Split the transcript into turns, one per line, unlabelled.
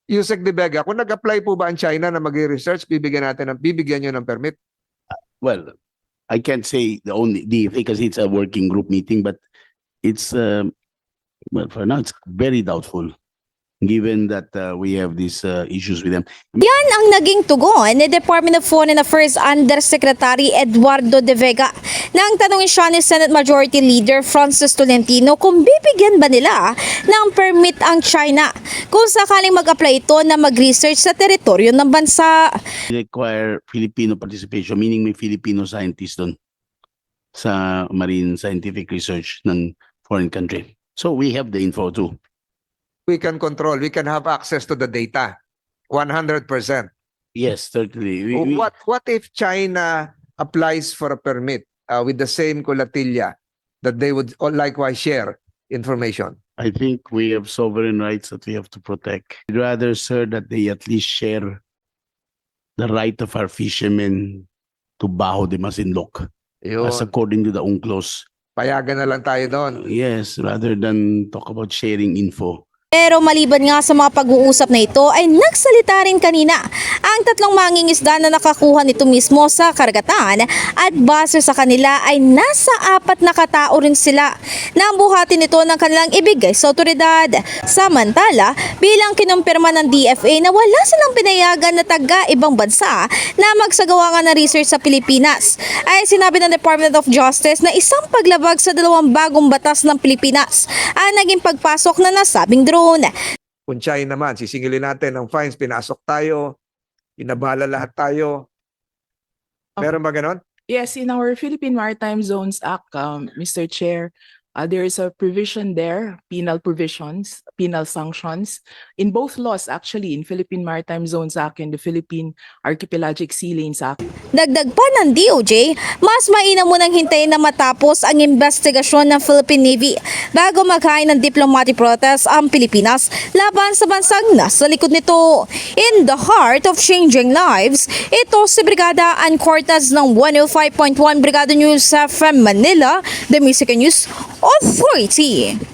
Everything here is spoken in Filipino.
Yusek De Vega, kung nag-apply po ba ang China na mag-research, bibigyan nyo ng permit?
Well, I can't say the only DFA because it's a working group meeting, but it's well, for now it's very doubtful, given that we have these issues with them.
Yan ang naging tugon ni Department of Foreign Affairs Undersecretary Eduardo De Vega nang tanungin siya ni Senate Majority Leader Francis Tolentino kung bibigyan ba nila ng permit ang China kung sakaling mag-apply ito na mag-research sa teritoryo ng bansa.
Require Filipino participation, meaning may Filipino scientists doon sa marine scientific research ng foreign country. So we have the info too.
We can control, we can have access to the data. 100%.
Yes, certainly. We-
What if China applies for a permit with the same colatilla that they would likewise share information?
I think we have sovereign rights that we have to protect. I'd rather, sir, that they at least share the right of our fishermen to baho de Masinloc, as
Yun.
according to the UNCLOS.
Payagan na lang tayo doon.
Yes, rather than talk about sharing info.
Pero maliban nga sa mga pag-uusap na ito ay nagsalita rin kanina ang tatlong mangingisda na nakakuha nito mismo sa karagatan at base sa kanila ay nasa 4 na katao rin sila na buhatin ito ng kanilang ibigay sa otoridad. Samantala, bilang kinumpirma ng DFA na wala silang pinayagan na taga-ibang bansa na magsagawa nga ng research sa Pilipinas, ay sinabi ng Department of Justice na isang paglabag sa 2 bagong batas ng Pilipinas ang naging pagpasok na nasabing drone.
Kung China naman, sisingilin natin ng fines, pinasok tayo, inabala lahat tayo. Meron ba ganon?
Yes, in our Philippine Maritime Zones Act, Mr. Chair, there is a provision there, penal provisions, penal sanctions, in both laws actually, in Philippine Maritime Zones Act and the Philippine Archipelagic Sea Lanes Act.
Dagdag pa ng DOJ, mas mainam munang hintayin na matapos ang investigasyon ng Philippine Navy bago maghain ng diplomatic protest ang Pilipinas laban sa bansang nasa likod nito. In the heart of changing lives, ito si Brigada Ann Cortez ng 105.1 Brigada News FM Manila, the Music News Authority.